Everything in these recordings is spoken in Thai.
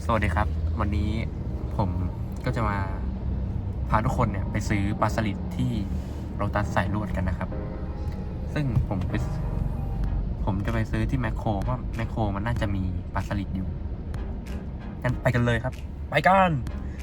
สวัสดีครับวันนี้ผมก็จะมาพาทุกคนเนี่ยไปซื้อปลาสลิดที่โรตัสสายลวดกันนะครับ ซึ่งผมจะไปซื้อที่แมคโครว่าแมคโครมันน่าจะมีปลาสลิดอยู่งั้นไปกันเลยครับไปกัน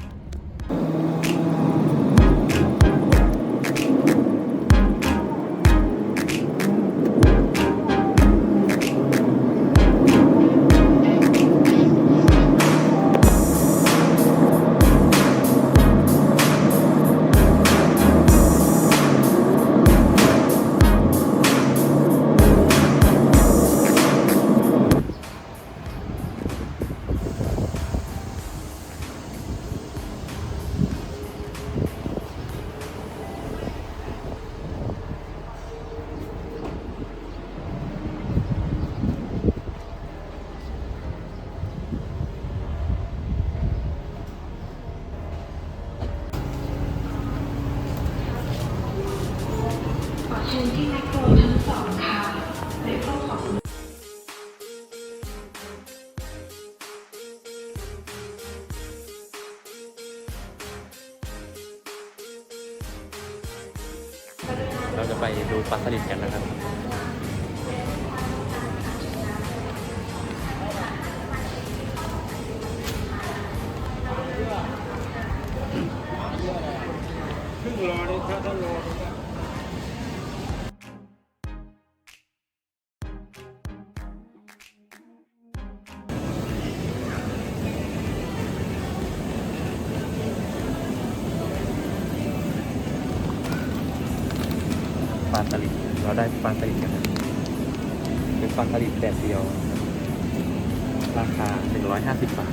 เชิญที่แมคโครชั้นสองค่ะในห้องของเราจะไปดูปลาสลิดกันนะครับครึ่งโลนี่ถ้าโลปลาสลิดเราได้ปลาสลิดกันนะเป็นปลาสลิดแดดเดียวราคา150 บาท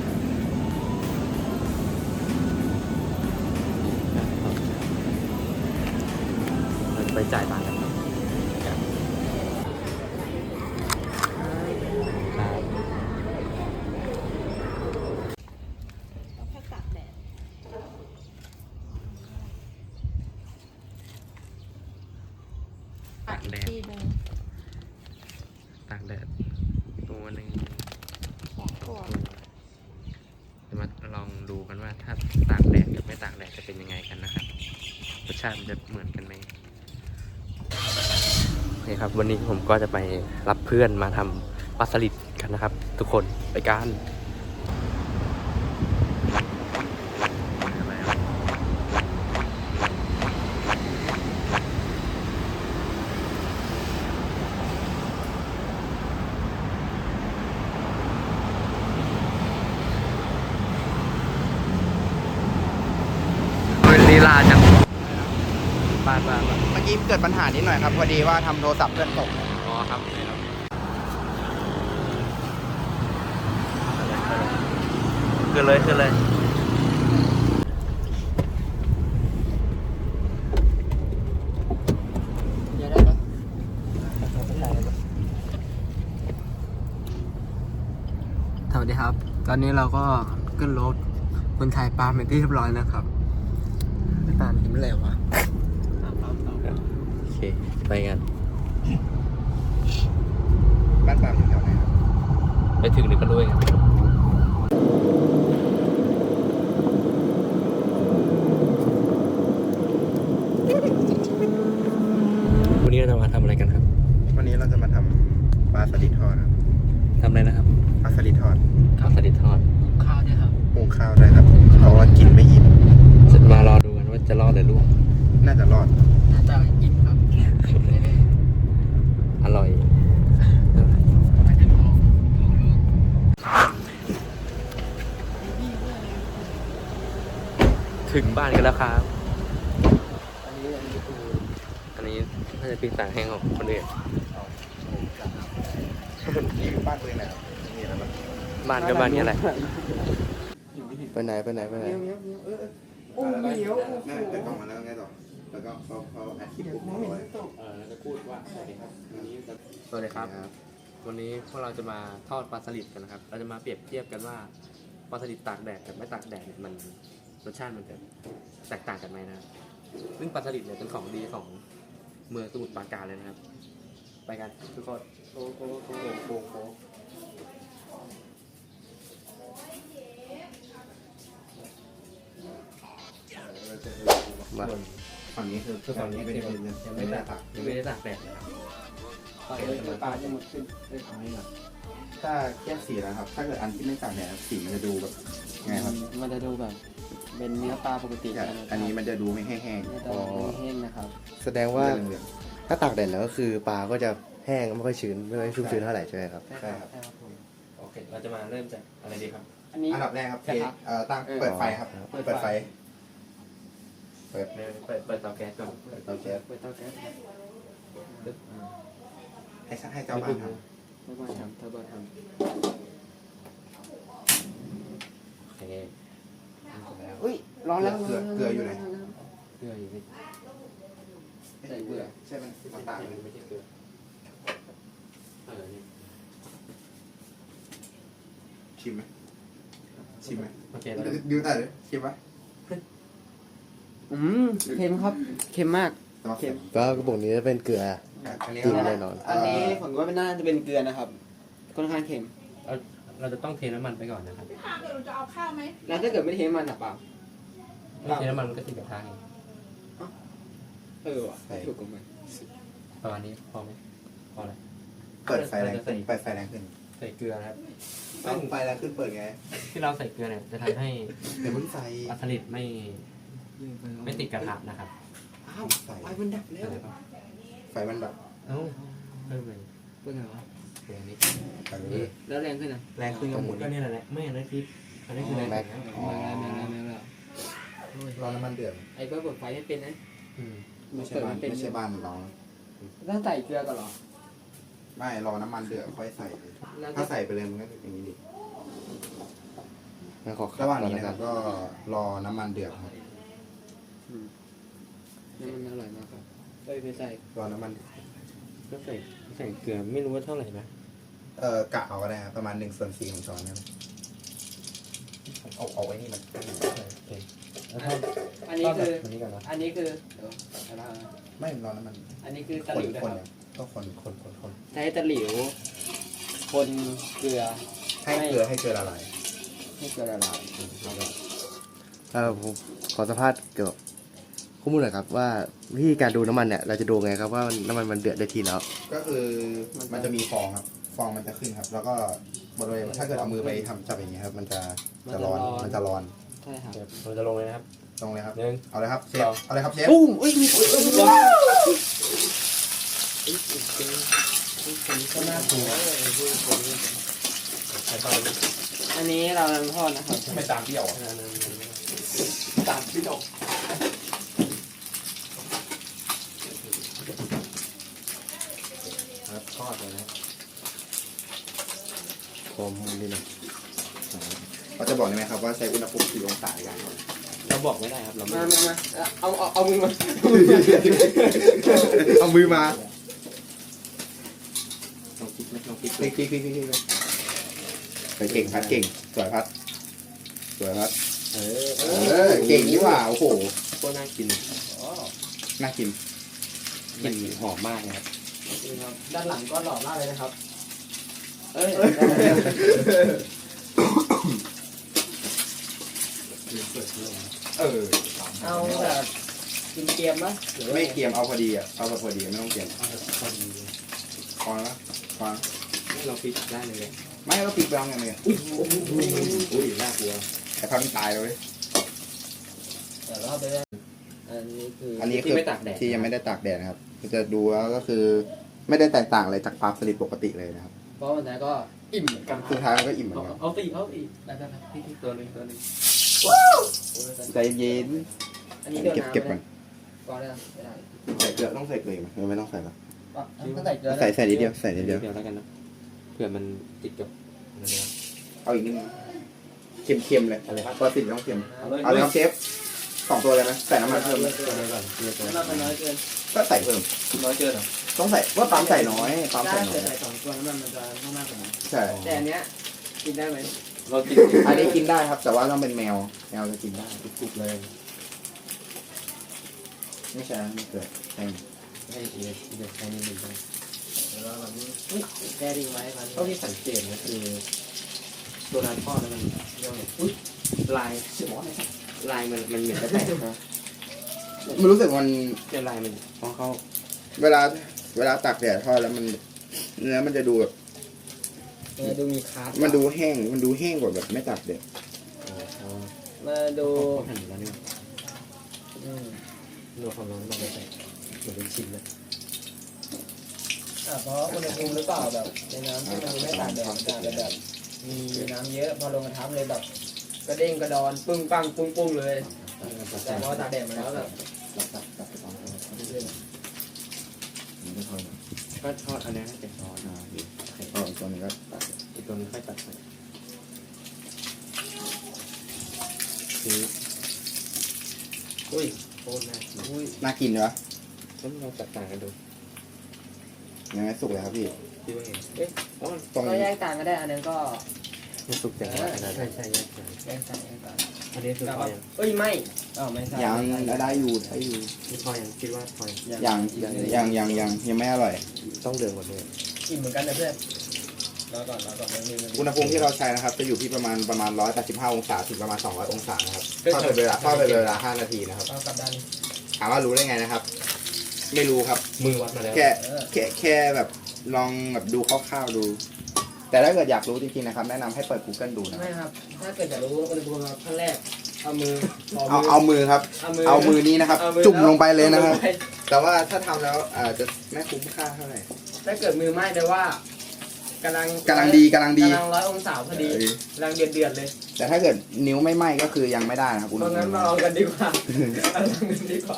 เราจะไปจ่ายตังค์กันครับตากแดดตัวหนึ่งจะมาลองดูกันว่าถ้าตากแดดกับไม่ตากแดดจะเป็นยังไงกันนะครับรสชาติมันจะเหมือนกันไหมโอเคครับวันนี้ผมก็จะไปรับเพื่อนมาทำปลาสลิดกันนะครับ ทุกคนไปกันลีลาจังบ้านเมื่อกี้เกิดปัญหานิดหน่อยครับพอดีว่าทำโทรศัพท์เพื่อนตกอ๋อครับนี่ครับขึ้นเลยเยอะได้ปะสวัสดีครับ ตอนนี้เราก็ขึ้นรถคนไทยปาเป็นที่เรียบร้อยนะครับไม่ปายิ้มเลยวะโอเคไปกันบ้านปามอยู่แถวไหนครับไปถึงเดี๋ยวก็รู้เองวันนี้เราจะมาทำอะไรกันครับวันนี้เราจะมาทำปลาสลิดทอดครับทำอะไรนะครับปลาสลิดทอดปลาสลิดทอดข้าวเนี่ยครับปรุงข้าวได้ครับเพราะว่ากินไม่อิ่มจะมารอดูกันว่าจะรอดหรือล่วงน่าจะรอดน่าจะอิ่มครับอร่อยไม่ถึงห้องถึงบ้านกันแล้วครับอันนี้น่าจะเป็นต่างแห้งของคนอื่นนี่อยู่บ้านตัวเองนะครับมีอะไรบ้างบ้านก็บ้านนี้แหละไปไหนโอ้เหนียวแม่แต่กล่องมาแล้วไงต่อแล้วก็เขาอัดคลิปปุ๊บเอาไว้เราจะพูดว่าสวัสดีครับสวัสดีครับ วันนี้พวกเราจะมาทอดปลาสลิดกันนะครับ เราจะมาเปรียบเทียบกันว่าปลาสลิดตากแดดกับไม่ตากแดดเนี่ยมันรสชาติมันจะแตกต่างกันไหมนะครับซึ่งปลาสลิดเนี่ยเป็นของดีของเมืองสมุทรปราการเลยนะครับ ไปกันทุกคนโมาส่วนฝั่งนี้คือคือฝั่งนี้ไม่คือได้ยังไม่ไม่ได้ได้ตัตาก กยังไม่ได้ตากแดดเลยครับตอนนี้คือปลาจะหมดขึ้นด้วยของนี่หรอถ้าแยกสีแล้วครับ ถ้าเกิดอันที่ไม่ตากแดดสีมันจะดูแบบไงครับมันจะดูแบบ เป็นเนื้อปลาปกติอันนี้มันจะดูไม่แห้งไม่ๆต้องแห้งนะครับแสดงว่าเหลืองถ้าตากแดดแล้วก็คือปลาก็จะแห้งไม่ค่อยชื้นไม่ค่อยชุ่มชื้นเท่าไหร่ใช่ไหมครับใช่ครับใช่ครับผมโอเคเราจะมาเริ่มจากอะไรดีครับอันนี้อันดับแรกครับใช่ครับตั้งเปิดไฟครับ เปิดไฟเปิดเตาแก๊สก่อนเปิดเตาแก๊สเปิดเตาแก๊สครับให้เจ้าบ้านทเทอร์โบทำเทอร์โบทโอเคำอุ้ยร้อนแล้วเกลืออยู่ไหนเกลืออยู่นี่ใส่เกลือใช่ไหมมันตากไม่ใช่เกลือนี่ชิมไหมชิมไหมโอเคเราดูแต่เลยชิมไหมเค็มครับ เค็มมากเค็มก็กระบอกนี้จะเป็นเกลืออันนี้จริงแน่นอนอันนี้ผมว่าน่าจะเป็นเกลือนะครับ ค่อนข้างเค็มเราจะต้องเทน้ำมันไปก่อนนะครับพี่พาเดี๋ยวหนูจะเอาข้าวไหมแล้วถ้าเกิดไม่เทมันอ่ะเปล่าไม่เทน้ำมันมันก็ติดกระทะไงว่ะถูกกว่ามันประมาณนี้พอไหมพอแล้วเปิดไฟแรงขึ้นเปิดไฟแรงขึ้นใส่เกลือนะครับต้องไฟแรงขึ้นเปิดไงที่เราใส่เกลือเนี่ยจะทำให้เดี๋ยวเพิ่งใส่ปลาสลิดไม่ติดกระทะนะครับอ้าวไฟมันดับแล้วไฟมันแบบเอ้าเพิ่มเลยเป็นไงวะเกลือนี้แล้วแรงขึ้นอ่ะแรงขึ้นกับหมุนก็นี่แหละไม่อันนั้นคืออันนี้คือแรงแม็กแล้วรอน้ำมันเดือดไอ้เบิร์ดเปิดไฟไม่เป็นนะไม่ใช่บ้านไม่ใช่บ้านเราต้องใส่เกลือก่อนเหรอไม่รอน้ำมันเดือดค่อยใส่แล้วถ้าใส่ไปเลยมันก็จะอย่างนี้ดิงั้นขอขัระหว่างก่อนนี้แล้วนะคกัรันบก็รอน้ำมันเดือดครับนี่มันอร่อยมากครับไปใส่รอน้ำมันก็ใส่เกลือไม่รู้ว่าเท่าไหร่นะกะเอาก็ได้ครับประมาณ1/4ของช้อนครับเอาไว้นี่มันโอเคแล้วถ้าอันนี้คืออันนี้ก่อนนะอันนี้คือเดี๋ยวอะไรนะไม่รอน้ำมันอันนี้คือตะคหนลิวนะคนครับก็คนใช้ตะหลิว คนเกลือให้เกลือละลายให้เกลือละลายผมขอสัมภาษณ์เกี่ยวกับข้อมูลหน่อยครับว่าวิธีการดูน้ำมันเนี่ยเราจะดูไงครับว่าน้ำมันมันเดือดได้ทีแล้วก็คือมันจะมีฟองครับ ฟองมันจะขึ้นครับ แล้วก็บริเวณถ้าเกิดเอามือไปทำจับอย่างเงี้ยครับ มันจะร้อนมันจะร้อนใช่ครับเดี๋ยวเราจะลงเลยนะครับตรงเลยครับหนึ่งเอาเลยครับเชฟสองเอาเลยครับเชฟปุ้มอุ้ยมีก็น่ากลัวใส่ตอนนี้อันนี้เรากำลังทอดนะครับไม่ตามเปรี้ยวอ่ะตามพี่ดกครับทอดเลยนะผมดีหน่อยเราจะบอกได้ไหมครับว่าใช้อุณหภูมิกี่องศาในการทอดเราบอกไม่ได้ครับเราไม่มาเอามือมาเอามือมาลองคิดไหมลองคิดพลิกเก่งพัดเก่งสวยพัดสวยพัดเก่งนี่หว่าโอ้โหโคตรน่ากินน่ากินกลิ่นหอมมากนะครับด้านหลังก็หล่อมากเลยนะครับ เอ้ย เอาแบบกินเกมมั้ยไม่เกรียมเอาพอดีอ่ะเอาแบบพอดีไม่ต้องเกรียมเอาแบบพอดีพอแล้วพอนี่เราฟิกได้เลยไม่เราปิดไปแล้วไงเนี่ยอุ้ยน่ากลัวแต่พัดมันตายเลยเดี๋ยวเราไปได้อันนี้คืออันนี้ที่คือไม่ตากแดดที่ยังไม่ได้ตากแดดนะครับจะดูแล้วก็คือ ไม่ได้แตกต่างอะไรจากปลาสลิดปกติเลยนะครับเพราะวันนั้นก็อิ่มเหมือนกันสุดท้ายมันก็อิ่มเหมือนกันเอาตีได้พี่ตัวหนึงใจเย็นอันนี้เดี๋ยวเก็บก่อนก่อนได้ไม่ได้ใส่เกลือต้องใส่เกลือไหมไม่ต้องใส่หรอต้องใส่เกลือใส่นิดเดียวใส่นิดเดียวเดี๋ยวแล้วกันนะเผื่อมันติดกับเอาอีกนิดนึงเค็มๆเลยอะไรครับปลาสลิดต้องเค็มเอาเลยเอาเลยครับเชฟ2 ตัวเลยไหมใส่น้ำมันเพิ่มตัวนี้ก่อนเกลือตัวน้ำมันน้อยเกินก็ใส่เพิ่มน้อยเกินเหรอต้องใส่ว่าปั๊มใส่น้อยปั๊มถ้าใส่น้อเกิยดใส่2 ตัวน้ำมันจะมากกว่านั้นใช่แต่อันเนี้ยกินได้ไหมเราติดอันนี้กินได้ครับ แต่ว่าต้องเป็นแมวจะกินได้กรุบเลยไม่ใช่ไม่เกิดใช่ให้เดี๋ยวใช้นิดนึงแก้ดิ้งไว้มันเท่าที่สังเกตนะคือตัวร้านทอดแล้วมันเรียกว่าอุ้ยลายมันเหมือนจะแตกนะมันรู้สึกมันเดี๋ยวลายมันพอเขาเวลาตากแดดทอดแล้วมันเนื้อมันจะดูแบบดูมีคาร์ดมันดูแห้งกว่าแบบไม่ตากแดดมาดูเขาหั่นอยู่แล้วนี่ดูความร้อนเราไปใส่เหมือนเป็นชิ้นเลยเพราะอุณหภูมิหรือเปล่าแบบในน้ำที่มันไม่ตากแดดมันจะแบบมีน้ำเยอะพอลงกระทะเลยแบบกระเด้งกระดอนปึ้งปังปุ้งปุ้งเลยแต่พอตากแดดมาแล้วแบบก็ทอดอันนี้ให้เป็นซอสนะไข่อ๋อตัวนี้ก็ตากอีกตัวนึงค่อยตัดใส่นี่อุ้ยโคตรน่ากินอุ้ยน่ากินวะต้องลองจัดต่างกันดูยังไม่สุกเลยครับพี่คิดว่าไงเอ๊ะอ๋อตรงก็แยกต่างก็ได้อันนั้นก็มันสุกแต่ว่าอันนั้นใช่แยกกันแยกต่างแยกต่างอันนี้คือพอยังเอ้ยไม่ไม่ใช่ยังได้อยู่นี่พอยังคิดว่าพอยังยังไม่อร่อยต้องเดือดกว่านี้อิ่มเหมือนกันนะเพื่อนรอก่อนมันมีอุณหภูมิที่เราใช้นะครับ จะอยู่ที่ประมาณ185 องศาถึงประมาณ200 องศานะครับทอดไปเวลา5 นาทีนะครับเอากลับด้านถามว่ารู้ได้ไงนะครับ ไม่รู้ครับมือวัดมาแล้วแค่แบบลองแบบดูคร่าวๆดู แต่ถ้าเกิดอยากรู้จริงๆนะครับ แนะนำให้เปิด Google ดูนะไม่ครับ ถ้าเกิดจะรู้อุณหภูมิขั้นแรกเอามือเอามือครับ เอามือนี้นะครับ จุ่มลงไปเลยนะครับ แต่ว่าถ้าทำแล้วอาจจะไม่คุ้มค่าเท่าไหร่ถ้าเกิดมือไหม้แปลว่ากำลังดี 100 องศาพอดีกำลังเดือดเลยแต่ถ้าเกิดนิ้วไม่ไหม้ก็คือยังไม่ได้นะครับเพราะงั้นมาลองกันดีกว่าเอาลองกันดีกว่า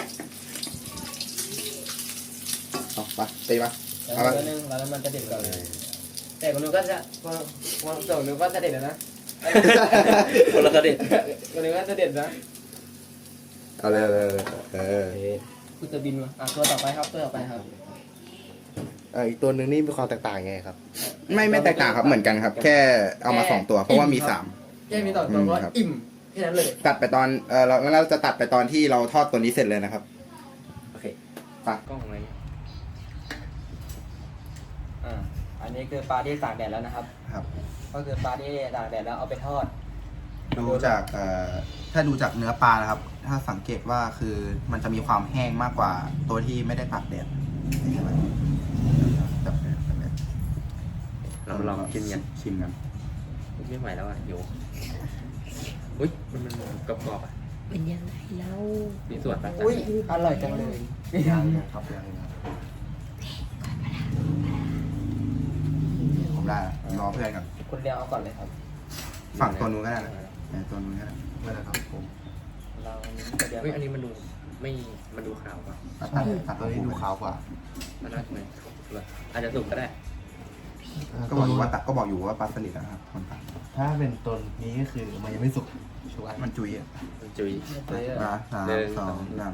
เอาไปตีปะแล้วนึงแล้วมันจะเด็ดก่อนเลยแต่คนนู้นก็จะคนส่งนู้นก็จะเด็ดนะคนละกระเด็ดคนนู้นก็จะเด็ดนะเอาเลยคุณจะบินมาตัวต่อไปครับตัวต่อไปครับอีกตัวหนึ่งนี่มีความแตกต่างยังไงครับไม่แตกต่างครับเหมือนกันครับ แค่เอามา2 ตัวเพราะว่ามี3 แค่มีต่อตัวก็อิ่มแค่นั้นเลยตัดไปตอนเราจะตัดไปตอนที่เราทอดตัวนี้เสร็จเลยนะครับโอเคไปกล้องอะไรเนี่ยอันนี้คือปลาที่ตากแดดแล้วนะครับครับก็คือปลาที่ตากแดดแล้วเอาไปทอดดูจากถ้าดูจากเนื้อปลานะครับ ถ้าสังเกตว่าคือมันจะมีความแห้งมากกว่าตัวที่ไม่ได้ตากแดดใช่ไหมแบบนี้เราลองกินกันชิมกันไม่ไหวแล้วอ่ะโยอุ้ยมันกรอบๆอ่ะเป็นยังไงเล่ามีส่วนปะอุ้ยอร่อยจังเลยยังครับยังผมได้รอเพื่อนก่อนคุณเรียงเอาก่อนเลยครับฝั่งตัวนู้นก็ได้นะตัวนู้นก็ได้ไม่ได้ครับผมเราจะเรียงเฮ้ยอันนี้มันดูไม่มันดูขาวกว่าตัดตัวนี้ดูขาวกว่ามันน่าจะไหมอาจจะสุกก็ได้ก็บอกอยู่ว่าปลาสลิดนะครับคนตัดถ้าเป็นตัวนี้ก็คือมันยังไม่สุกชัวร์มันจุยอ่ะมันจุยมา3 2 1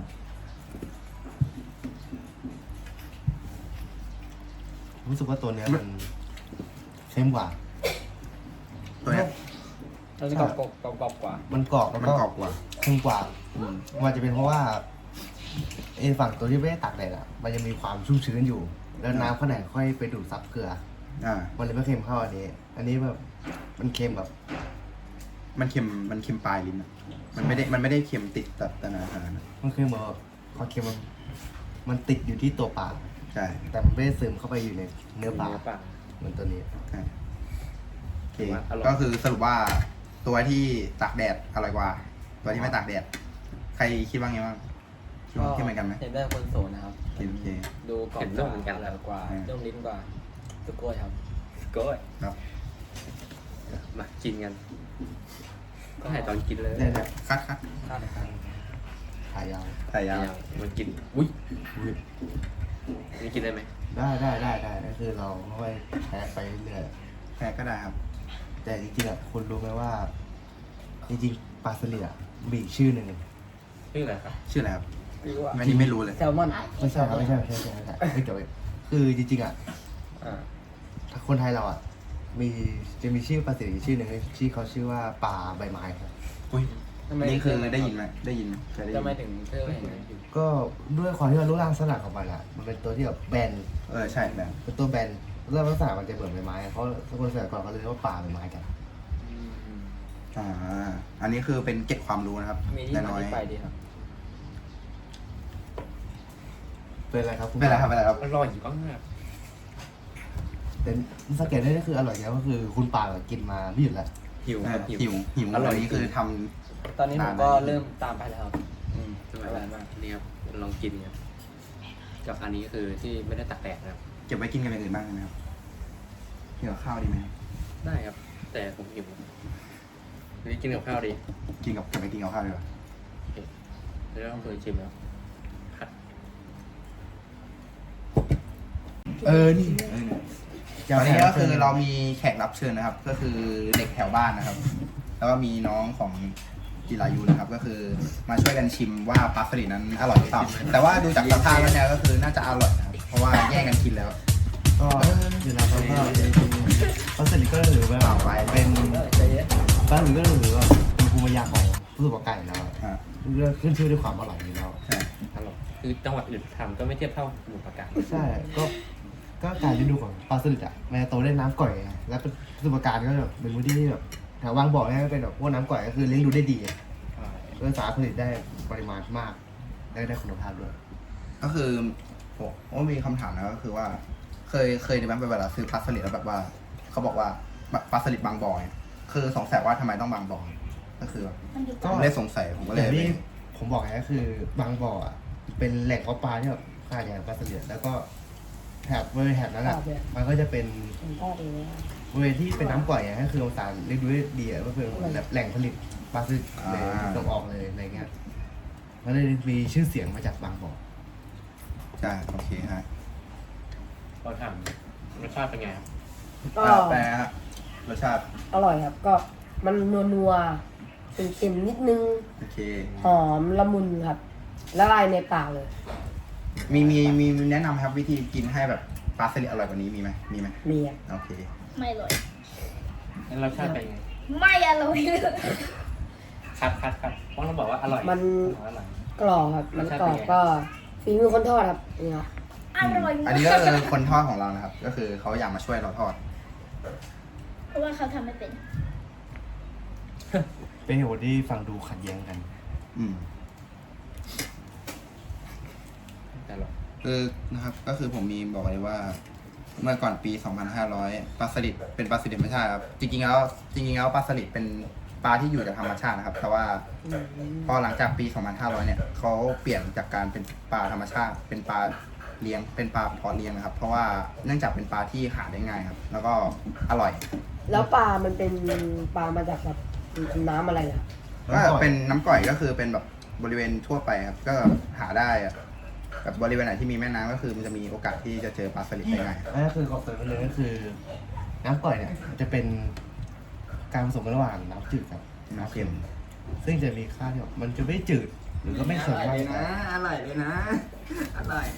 รู้สึกว่าตัวเนี้ยมันเข้มกว่าตัวเนี้ยเราจะกรอบกว่ามันกรอบแล้วมันก็กรอบกว่าเข้มกว่ามันจะเป็นเพราะว่าไอ้ฝั่งตัวที่ไม่ได้ตากแดดอะมันยังมีความชุ่มชื้นอยู่ แล้วน้ำข้างในค่อยไปดูดซับเกลือ มันเลยไม่เค็มเท่าอันนี้แบบมันเค็มแบบมันเค็มปลายลิ้นอะมันไม่ได้เค็มติดแต่นาขนาดนั้นมันเค็มแบบความเค็มมันติดอยู่ที่ตัวปลาใช่แต่มันไม่ได้ซึมเข้าไปอยู่ในเนื้อปลาเหมือนตัวนี้ใช่โอเคก็คือสรุปว่าตัวที่ตากแดดอร่อยกว่า ตัวที่ไม่ตากแดด ใครคิดว่าไงบ้างคิดเหมือนกันไหมเห็นได้คนโสดนะครับโอเคดูกรอบกว่าอร่อยกว่านุ่มลิ้นกว่าสุโกยครับก็ครับมากินกัน ก็ให้ตอนกินเลยเนี่ยคัดข้าวในครั้งขายาวถ่ายยาวมันกินอุ้ยนี่กินได้ไหมได้ก็คือเราค่อยแพ้ไปเรื่อยแพ้ก็ได้ครับแต่จริงๆอ่ะคุณรู้ไหมว่า จริงๆปลาสลิดอ่ะมีอีกชื่อหนึ่งชื่ออะไรครับชื่ออะไรครับอันนี้ไม่รู้เลยแซลมอนไม่ใช่ครับไม่ใช่ไม่เกี่ยวคือจริงๆอ่ะถ้าคนไทยเราอ่ะจะมีชื่อปลาสลิดอีกชื่อหนึ่งที่เขาชื่อว่าปลาใบไม้ครับอุ้ยนี่คือได้ยินไหมเคยได้ยิจะนไม่ถึงเชื่อเห็นไหมก็ด้วยความที่ว่ารูปร่างลักษณะของมันอ่ะมันเป็นตัวที่แบบแบนใช่แบบเป็นตัวแบนรูปร่างลักษณะมันจะเหมือนใบไม้เพราะคนสมัยก่อนเขาเลยเรียกว่าปลาใบไม้กันอันนี้คือเป็นเก็บความรู้นะครับมีที่มาน้อยที่ไปดีครับเป็นอะไรครับคุณไม่เป็นไรครับไม่เป็นไรครับอร่อยมากเป็นสังเกตได้ก็คืออร่อยแล้วก็คือคุณปากินมาไม่หยุดแล้วหิวครับหิวอร่อยวันนี้คือทตอนนี้ผมก็เริ่มตามไปแล้วครับอร่อยมากนี่ครับลองกินครับกับอันนี้คือที่ไม่ได้ตักแดดนะครับำเก็บไว้กินกันอย่างอื่นบ้างนะครับกินกับข้าวดีไหมครับได้ครับ แต่ผมหิววันนี้กินกับข้าวดีเก็บไปกินกับข้าวดีกว่าแล้วต้องเคยชิมแล้วผัดนี่ตอนนี้ก็คือเรามีแขกรับเชิญนะครับ ก็คือเด็กแถวบ้านนะครับ แล้วก็มีน้องของจิรายุนะครับ ก็คือมาช่วยกันชิมว่าปลาสลิดนั้นอร่อยหรือเปล่าแต่ว่าดูจากสภาพแล้วเนี่ยก็คือน่าจะอร่อยนะครับเพราะว่าแย่งกันกินแล้วก็เดี๋ยวเราก็ปลาสลิดก็ถือว่าเป็นใจเย็นปลาสลิดก็ถือว่าเป็นภูมิปัญญาของผู้ประกอบการแล้วอ่าเรื่องขึ้นชื่อด้วยความอร่อยอยู่แล้วใช่อร่อยคือจังหวัดอื่นทำก็ไม่เทียบเท่าสมุทรปราการใช่ก็การฤดูของปลาสลิดอ่ะมันจะโตได้น้ำก่อยไงแล้วผู้ประกอบการก็แบบเป็นพื้นที่ที่แบบแถวบางบ่อเนี่ยก็เป็นแบบพวกน้ำก่อยก็คือเลี้ยงดูได้ดีก็สามารถผลิตได้ปริมาณมากได้คุณภาพด้วยก็คือผมมีคำถามนะก็คือว่า เคยในบ้านไปเวลาซื้อปลาสลิดแล้วแบบว่าเขาบอกว่าปลาสลิดบางบ่อเนี่ยคือสงสัยว่าทำไมต้องบางบ่อก็คือผมเลยสงสัยผมก็อเลยย่างที่ผมบอกไงก็คือบางบ่ออ่ะเป็นแหล่งเพาะปลาที่แบบค่าใหญ่ปลาสลิดแล้วก็แถบบริเวณแถบนั้นอ่ะมันก็จะเป็นบริเวณที่เป็นน้ำก่อยอ่ะก็คือองศาเรียกดูได้ดีอ่ะก็คือแบบแหล่งผลิตปลาสลิดเลยส่งออกเลยอะไรเงี้ยมันเลยมีชื่อเสียงมาจากบางบ่อใช่โอเคฮะเราถามรสชาติเป็นไงครับก็แปลฮะรสชาติอร่อยครับ ก็มันนัวๆเค็มๆนิดนึงโอเคหอมละมุนครับละลายในปากเลยมีแนะนำครับวิธีกินให้แบบปลาสลิดอร่อยกว่านี้มีไหมมีครับโอเคไม่อร่อยแล้วรสชาติเป็นไงไม่อร่อยเลยคัดเพราะเราบอกว่าอร่อยมันอร่อยกรอบครับ มันกรอบก็ฝีมือคนทอดครับนี่ครับอร่อยอันนี้ก็คือคนทอดของเรานะครับ ก็คือเขาอยากมาช่วยเราทอดเพราะว่าเขาทำไม่เป็นเป็นเหตุผลที่ฟังดูขัดแย้งกันอืมแต่อร่อยคือนะครับก็คือผมมีบอกไว้ว่า เมื่อก่อนปี 2500 ปลาสลิดเป็นปลาสลิดธรรมชาติครับจริงๆแล้วปลาสลิดเป็นปลาที่อยู่กับธรรมชาตินะครับแต่ว่าพอหลังจากปี 2500 เนี่ยเขาเปลี่ยนจากการเป็นปลาธรรมชาติ เป็นปลาเลี้ยงเป็นปลาเพาะเลี้ยงนะครับ เพราะว่าเนื่องจากเป็นปลาที่หาได้ง่ายครับ แล้วก็อร่อยแล้วปลามันเป็นปลามาจากแบบน้ำอะไรล่ะก็เป็นน้ำก่อยก็คือเป็นแบบบริเวณทั่วไปครับ ก็หาได้อะแบบบริเวณไหนที่มีแม่น้ำก็คือมันจะมีโอกาสที่จะเจอปลาสลิดได้ง่ายครับนั่นก็คือคอนเซ็ปต์เลยก็คือ น้ำก่อยเนี่ยจะเป็นการผสมกันระหว่างน้ำจืดกับน้ำเค็ม ซึ่งจะมีค่าที่แบบมันจะไม่จืดหรือก็ไม่เค็มมากอร่อยเลยนะ อร่อย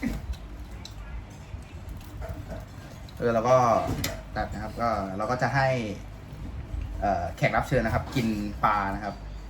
แล้วก็ตัดนะครับก็เราก็จะให้แขกรับเชิญนะครับ กินปลานะครับ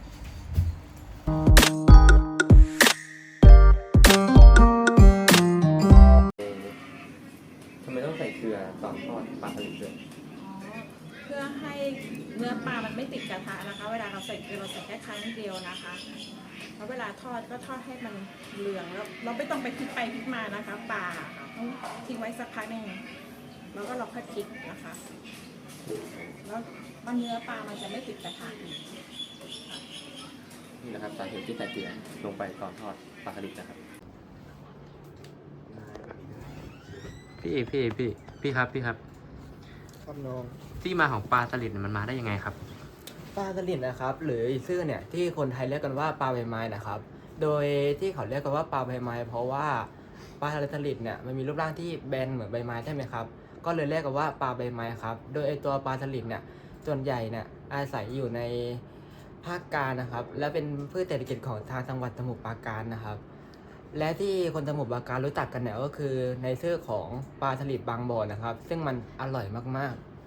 ทำไมต้องใส่เกลือตอนทอดปลาสลิดด้วยเพื่อให้เนื้อปลามันไม่ติดกระทะนะคะ เวลาเราใส่เกลือเราใส่แค่ครั้งเดียวนะคะแล้วเวลาทอดก็ทอดให้มันเหลืองแล้วเราไม่ต้องไปพลิกไปพลิกมานะคะปลาต้องทิ้งไว้สักพักหนึ่งแล้วก็เราค่อยพลิกนะคะแล้วเนื้อปลามันจะไม่ติดกระทะอีกนี่นะครับสาเหตุที่ใส่เกลือลงไปตอนทอดปลาสลิดนะครับพี่ครับครับน้องที่มาของปลาสลิดเนี่ยมันมาได้ยังไงครับปลาสลิดนะครับ หรืออีกชื่อเนี่ยที่คนไทยเรียกกันว่าปลาใบไม้นะครับ โดยที่เขาเรียกกันว่าปลาใบไม้เพราะว่าปลาสลิดเนี่ยมันมีรูปร่างที่แบนเหมือนใบไม้ใช่ไหมครับก็เลยเรียกกันว่าปลาใบไม้ครับโดยไอตัวปลาสลิดเนี่ยส่วนใหญ่เนี่ยอาศัยอยู่ในภาคกลางนะครับ และเป็นพืชเศรษฐกิจของทางจังหวัดสมุทรปราการนะครับ และที่คนสมุทรปราการรู้จักกันเนี่ยก็คือในชื่อของปลาสลิดบางบ่อนะครับ ซึ่งมันอร่อยมากๆ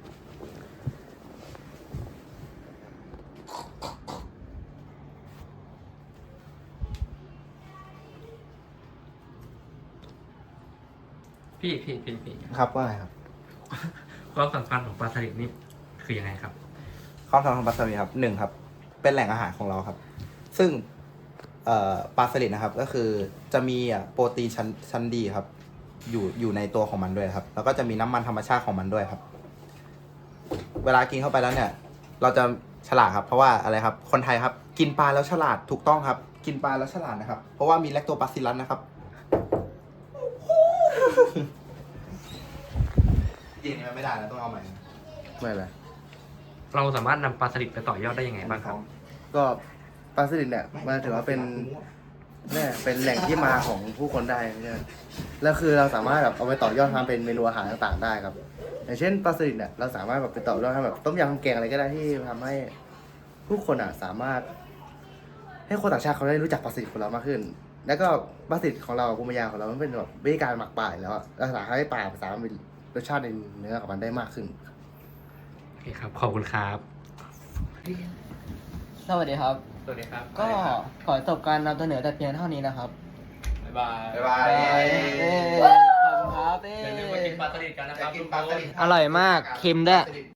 พี่ครับว่าไงครับความสำคัญของปลาสลิดนี่คือยังไงครับความสำคัญของปลาสลิดครับ1ครับ เป็นแหล่งอาหารของเราครับ ซึ่งปลาสลิดนะครับ ก็คือจะมีโปรตีนชั้นดีครับ อยู่ในตัวของมันด้วยครับ แล้วก็จะมีน้ำมันธรรมชาติของมันด้วยครับ เวลากินเข้าไปแล้วเนี่ย เราจะฉลาดครับ เพราะว่าอะไรครับ คนไทยครับ กินปลาแล้วฉลาดถูกต้องครับ กินปลาแล้วฉลาดนะครับ เพราะว่ามีแลคโตบาซิลลัสนะครับจริงๆไม่ได้นะต้องเอาใหม่ไม่เลยเราสามารถนำปลาสลิดไปต่อยอดได้ยังไงบ้างครับก็ปลาสลิดเนี่ยมันถือว่าเป็นแหล่งที่มาของผู้คนได้ใช่ไหมแล้วคือเราสามารถแบบเอาไปต่อยอดทำเป็นเมนูอาหารต่างๆได้ครับ อย่างเช่นปลาสลิดเนี่ยเราสามารถแบบไปต่อยอดทำแบบต้มยำแกงอะไรก็ได้ที่ทำให้ผู้คนสามารถ ให้คนต่างชาติเขาได้รู้จักปลาสลิดของเรามากขึ้น แล้วก็ปลาสลิดของเราภูมิปัญญาของเรามันเป็นแบบวิธีการหมักปลาอยู่แล้วเราสามารถให้ปลาสามารถมีรสชาติในเนื้อของมันได้มากขึ้นโอเคครับ ขอบคุณครับสวัสดีครับสวัสดีครับก็ขอจบการนำเสนอแต่เพียงเท่านี้นะครับบ๊ายบายบ๊ายบายขอบคุณครับอย่าลืมมากินปลาสลิดกันนะครับอร่อยมากเค็มด้วย